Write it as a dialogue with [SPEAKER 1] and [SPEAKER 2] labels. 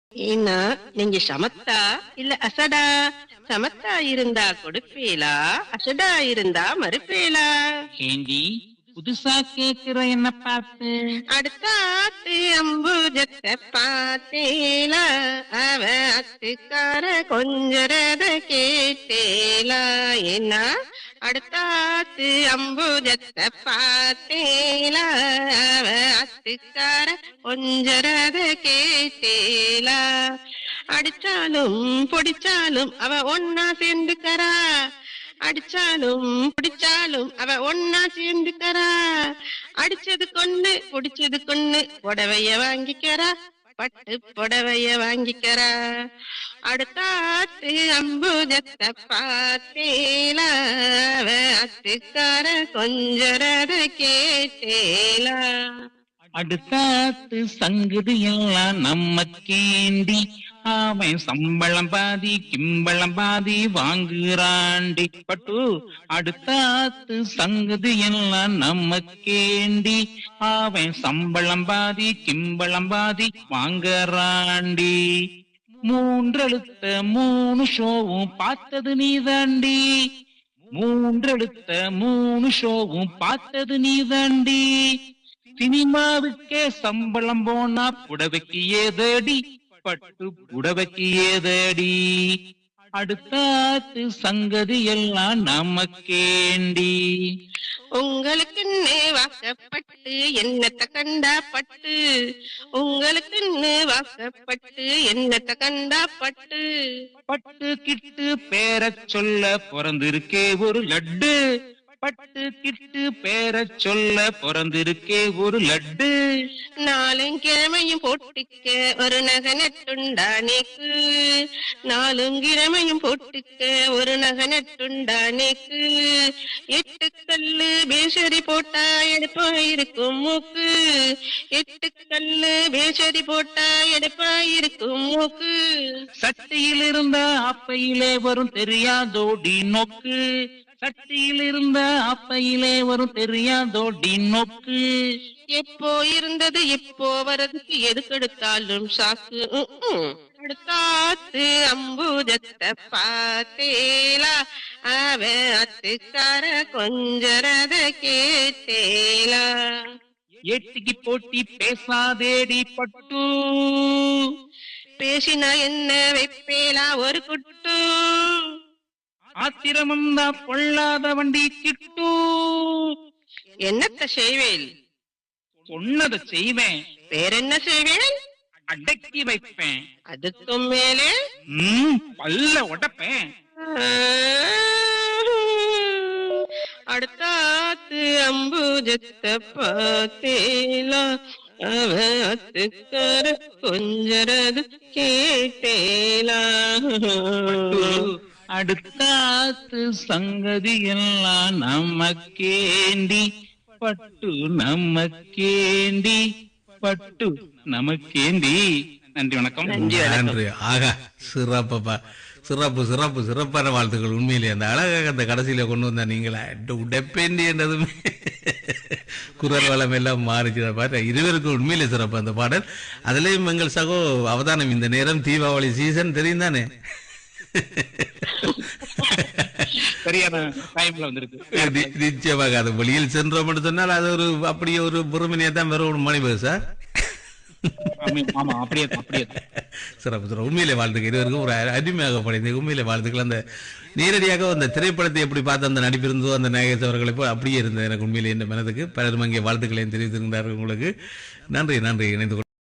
[SPEAKER 1] ஏன்னா நீங்க சமத்தா இல்ல அசடா? சமத்தா இருந்தா கொடுப்பீலா, அசடா இருந்தா மறுப்பீலா?
[SPEAKER 2] ஏண்டி புதுசா கேக்குற என்ன பார்த்து?
[SPEAKER 1] அடுத்த ஆத்து அம்புஜத்தை பார்த்தேலா, அவ அத்துக்கார கொஞ்சரத கேட்டேலா. ஏன்னா அடுத்த ஆத்து அம்புஜத்தை பார்த்தேலா, அவ அத்துக்கார கொஞ்சரத கேட்டேலா. அடிச்சாலும் பொடிச்சாலும் அவ ஒன்னா சேர்ந்துக்கறா, அடிச்சாலும் பிடிச்சாலும் அவ ஒன்னா சேர்ந்துக்கறா. அடிச்சது கொன்னு புடிச்சது கொன்னு புடவைய வாங்கிக்கறா, பட்டு புடவைய வாங்கிக்கறா. அடுத்தாத்து அம்புஜத்தை பார்த்தேலா, அவ அத்துக்கார கொஞ்சரத கேட்டேலா.
[SPEAKER 2] அடுத்தாத்து சங்குது எல்லாம் நம்ம கேண்டி, அவன் சம்பளம் பாதி கிம்பளம் பாதி வாங்குறாண்டி. பட்டு அடுத்தாத்து சங்குது எல்லாம் நம்ம கேண்டி, அவன் சம்பளம் பாதி கிம்பளம் பாதி வாங்குறாண்டி. மூன்றெழுத்த மூணு ஷோவும் பார்த்தது நீதாண்டி, மூன்றெழுத்த மூணு ஷோவும் பார்த்தது நீதாண்டி. சினிமாவுக்கே சம்பளம் போனா புடவைக்கு ஏதடி, பட்டு புடவைக்கு ஏதடி. அடுத்தாத்து சங்கதி எல்லாம் நமக்கேண்டி.
[SPEAKER 1] உங்களுக்குன்னு வாக்கப்பட்டு என்னத்த கண்டா பட்டு, உங்களுக்குன்னு வாக்கப்பட்டு என்னத்த கண்டா பட்டு.
[SPEAKER 2] பட்டு கிட்டு பேரச் சொல்ல பிறந்திருக்கே ஒரு லட்டு, பட்டு கிட்டு பேரச் சொல்ல பிறந்திருக்கே ஒரு லட்டு.
[SPEAKER 1] நாலும் கிழமையும் போட்டுக்க ஒரு நகை நட்டுண்டா நேக்கு, நாலும் கிழமையும் போட்டுக்க ஒரு நகை நட்டுண்டா நேக்கு. எட்டு கல்லு பேசரி போட்டா எடுப்பா இருக்கும் மூக்கு, எட்டு கல்லு பேசரி போட்டா எடுப்பா இருக்கும் மூக்கு.
[SPEAKER 2] சட்டியில் இருந்த அப்பையிலே வரும் தெரியாதோடி நோக்கு, சட்டியில் இருந்த அப்பையிலே வரும் தெரியாதோடி நோக்கு.
[SPEAKER 1] எப்போ இருந்தது இப்போ வரதுக்கு எதுக்கெடுத்தாலும் சாக்கு. அடுத்தாத்து அம்புஜத்தை பார்த்தேலா, அவ அத்துக்கார கொஞ்சரத கேட்டேலா.
[SPEAKER 2] ஏட்டிக்கு போட்டி பேசாதேடி பட்டு,
[SPEAKER 1] பேசினா என்ன வைப்பேலா ஒரு குட்டு.
[SPEAKER 2] ஆத்திரமந்தா பொல்லாத வண்டி கிட்டு.
[SPEAKER 1] என்னத்த செய்வேன்?
[SPEAKER 2] சொன்னதை செய்வேன்,
[SPEAKER 1] வேறென்ன செய்வேன்?
[SPEAKER 2] அடக்கி வைப்பேன்,
[SPEAKER 1] அதுக்கும் மேலே
[SPEAKER 2] பல்ல உடைப்பேன்.
[SPEAKER 1] அடுத்தாத்து அம்புஜத்தை பார்த்தேலா, அவ அத்துக்கார கொஞ்சரது கேட்டேலா.
[SPEAKER 2] அடுத்தாத்து சங்கதி எல்லாம் நமக்கேண்டி, பட்டு நமக்கேண்டி, பட்டு நமக்கேண்டி. நன்றி, வணக்கம்.
[SPEAKER 3] நன்றி. ஆகா, சிறப்பப்பா, சிறப்பு சிறப்பு சிறப்பான வாழ்த்துக்கள். உண்மையிலே அந்த அழகாக அந்த கடைசியில கொண்டு வந்த நீங்களா உடைப்பேண்டி என்றதுமே குரல் வளம் எல்லாம் மாறிச்சு. பாரு, இருவருக்கும் உண்மையிலே சிறப்பு அந்த பாடல். அதுலயும் எங்கள் சகோ அவதானம் இந்த நேரம் தீபாவளி சீசன் தெரியும் தானே.
[SPEAKER 2] சரியான டைம்ல வந்திருக்கு.
[SPEAKER 3] நிச்சயமாக அது வெளியில் சென்றோம் சொன்னால் அது ஒரு அப்படியே ஒரு பொறுமையா தான் வரும் மணி பேர் சார்.
[SPEAKER 2] ஆமா, அப்படியே
[SPEAKER 3] சிறப்பு சிறப்பு. உண்மையிலே வாழ்த்துக்கள் இருவருக்கும். ஒரு அருமையாக படைந்த உண்மையிலே வாழ்த்துக்கள். அந்த நேரடியாக அந்த திரைப்படத்தை எப்படி பார்த்து அந்த நடிப்பிருந்தோ அந்த நாயகஸ் அவர்களை போய் அப்படியே இருந்தது எனக்கு உண்மையிலே என்ற மனதுக்கு. பலரும் அங்கே வாழ்த்துக்களையும் தெரிவித்திருந்தார்கள் உங்களுக்கு. நன்றி நன்றி. இணைந்து